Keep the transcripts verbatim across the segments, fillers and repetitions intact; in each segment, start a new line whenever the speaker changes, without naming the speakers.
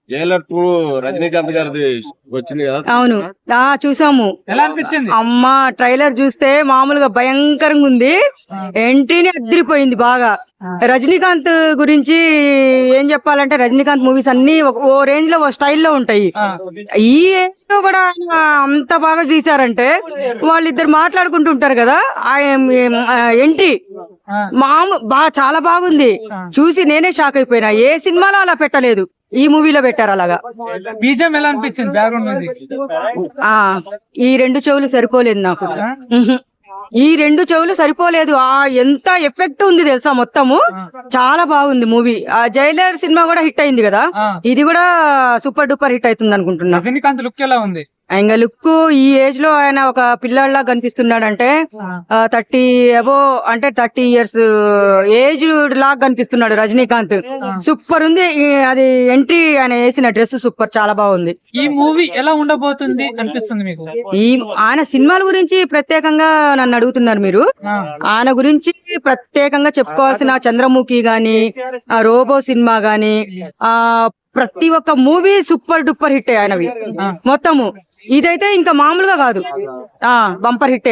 Jailer two Rajinikanth గారిది వచ్చింది కదా.
అవును, ఆ చూసాము.
ఎలా అనిపించింది?
అమ్మా ట్రైలర్ చూస్తే మామూలుగా భయంకరంగా ఉంది. ఎంట్రీని అదిరిపోయింది బాగా. రజనీకాంత్ గురించి ఏం చెప్పాలంటే, రజనీకాంత్ మూవీస్ అన్ని ఒక- ఓ రేంజ్ లో ఓ స్టైల్లో ఉంటాయి. ఈ ఏజ్ లో కూడా ఆయన అంత బాగా తీశారంటే, వాళ్ళిద్దరు మాట్లాడుకుంటూ ఉంటారు కదా, ఆ ఎంట్రీ మాము బాగా చాలా బాగుంది. చూసి నేనే షాక్ అయిపోయినా. ఏ సినిమాలో అలా పెట్టలేదు, ఈ మూవీలో పెట్టారు అలాగా.
బీజం ఎలా అనిపించింది? బ్యాక్గ్రౌండ్ మ్యూజిక్
ఆ ఈ రెండు చెవులు సరిపోలేదు నాకు. ఉహు. ఈ రెండు చెవులు సరిపోలేదు. ఆ ఎంత ఎఫెక్ట్ ఉంది తెలుసా, మొత్తము చాలా బాగుంది మూవీ. ఆ జైలర్ సినిమా కూడా హిట్ అయింది కదా, ఇది కూడా సూపర్ డూపర్ హిట్ అవుతుంది అనుకుంటున్నా.
రజనీకాంత్ లుక్ ఎలా ఉంది?
ఇంకా లుక్ ఈ ఏజ్ లో ఆయన ఒక పిల్లాడిలా కనిపిస్తున్నాడు. అంటే థర్టీ అబో అంటే థర్టీ ఇయర్స్ ఏజ్ లాగా కనిపిస్తున్నాడు రజనీకాంత్. సూపర్ ఉంది. ఈ- అది ఎంట్రీ ఆయన వేసిన డ్రెస్ సూపర్, చాలా బాగుంది.
ఈ మూవీ ఎలా ఉండబోతుంది అనిపిస్తుంది మీకు?
ఈ ఆయన సినిమాల గురించి ప్రత్యేకంగా నన్ను అడుగుతున్నారు మీరు. ఆయన గురించి ప్రత్యేకంగా చెప్పుకోవాల్సిన చంద్రముఖి గాని, ఆ రోబో సినిమా గాని, ఆ ప్రతి ఒక్క మూవీ సూపర్ డూపర్ హిట్ ఆయనవి మొత్తము. ఇదైతే ఇంకా మామూలుగా కాదు, ఆ బంపర్ హిట్టే.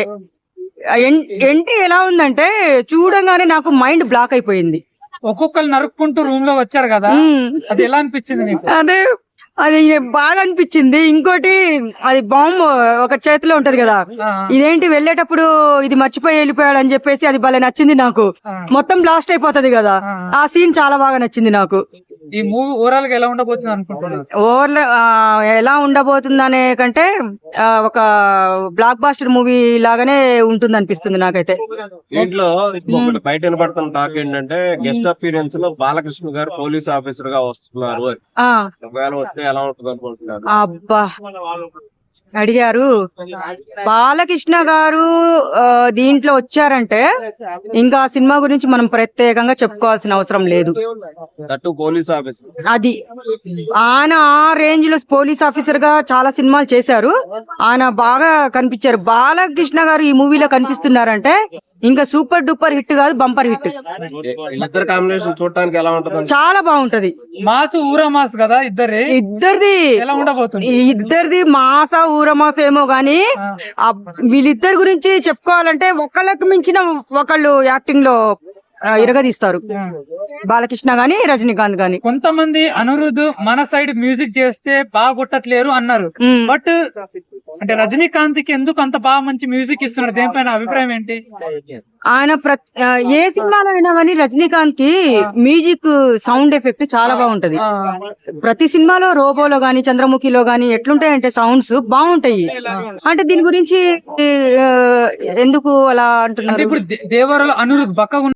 ఎంట్రీ ఎలా ఉందంటే చూడంగానే నాకు మైండ్ బ్లాక్ అయిపోయింది.
ఒక్కొక్కరు నరుక్కుంటూ రూమ్ లో వచ్చారు కదా, అది ఎలా అనిపించింది మీకు?
అదే అది బాగా అనిపించింది. ఇంకోటి, అది బాంబు ఒక చేతిలో ఉంటది కదా, ఇదేంటి వెళ్ళేటప్పుడు ఇది మర్చిపోయి వెళ్ళిపోయాడు అని చెప్పేసి అది భలే నచ్చింది నాకు. మొత్తం బ్లాస్ట్ అయిపోతది కదా, ఆ సీన్ చాలా బాగా నచ్చింది నాకు.
ఈ మూవీ ఓవరాల్ గా ఎలా ఉండబోతుంది అనుకుంటున్నారు?
ఓవర్ ఎలా ఉండబోతుంది అనే కంటే ఆ, ఒక బ్లాక్ బాస్టర్ మూవీ లాగానే ఉంటుంది అనిపిస్తుంది నాకైతే.
దీంట్లో ఇంకొకటి బయట వినపడుతున్న టాక్ ఏంటంటే, గెస్ట్ అపీరియన్స్ లో బాలకృష్ణ గారు పోలీస్ ఆఫీసర్ గా వస్తున్నారు అని.
ఆ
ఒకవేళ వస్తే ఎలా ఉంటుంది అనుకుంటున్నారు?
అబ్బా అడిగారు. బాలకృష్ణ గారు ఆ, దీంట్లో వచ్చారంటే ఇంకా ఆ సినిమా గురించి మనం ప్రత్యేకంగా చెప్పుకోవాల్సిన అవసరం లేదు.
That police officer.
అది ఆయన ఆ రేంజ్ లో పోలీస్ ఆఫీసర్ గా చాలా సినిమాలు చేశారు. ఆయన బాగా కనిపించారు. బాలకృష్ణ గారు ఈ మూవీలో కనిపిస్తున్నారంటే ఇంకా సూపర్ డూపర్ హిట్ కాదు, బంపర్ హిట్.
వీళ్ళిద్దరు కాంబినేషన్ చూడటానికి ఎలా ఉంటుంది?
చాలా బాగుంటది.
మాసు ఊరా మాస్ కదా ఇద్దరే,
ఇద్దరిది
ఎలా ఉండబోతుంది?
ఇద్దరిది మాసా ఊరమాస ఏమో గాని, ఆ వీళ్ళిద్దరి గురించి చెప్పుకోవాలంటే ఒకళ్ళకి మించిన ఒకళ్ళు యాక్టింగ్ లో ఆ, ఇరగదీస్తారు. బాలకృష్ణ గాని, రజనీకాంత్ గాని.
కొంతమంది అనిరుద్ మన సైడ్ మ్యూజిక్ చేస్తే బాగా కొట్టట్లేరు అన్నారు.
ఉమ్.
బట్ అంటే రజనీకాంత్ కి ఎందుకు అంత బాగా మంచి మ్యూజిక్ ఇస్తున్నారు? దేనిపైన అభిప్రాయం ఏంటి?
ఆయన ప్రతి ఆ, ఏ సినిమాలో అయినా కానీ రజనీకాంత్ కి మ్యూజిక్ సౌండ్ ఎఫెక్ట్ చాలా బాగుంటది. ప్రతి సినిమాలో రోబోలో గాని, చంద్రముఖిలో గాని ఎట్లుంటాయంటే సౌండ్స్ బాగుంటాయి. అంటే దీని గురించి ఆ, ఎందుకు అలా
అంటే
అంటున్నారు?
ఇప్పుడు దే- దేవరలో అనిరుద్ బక్కగా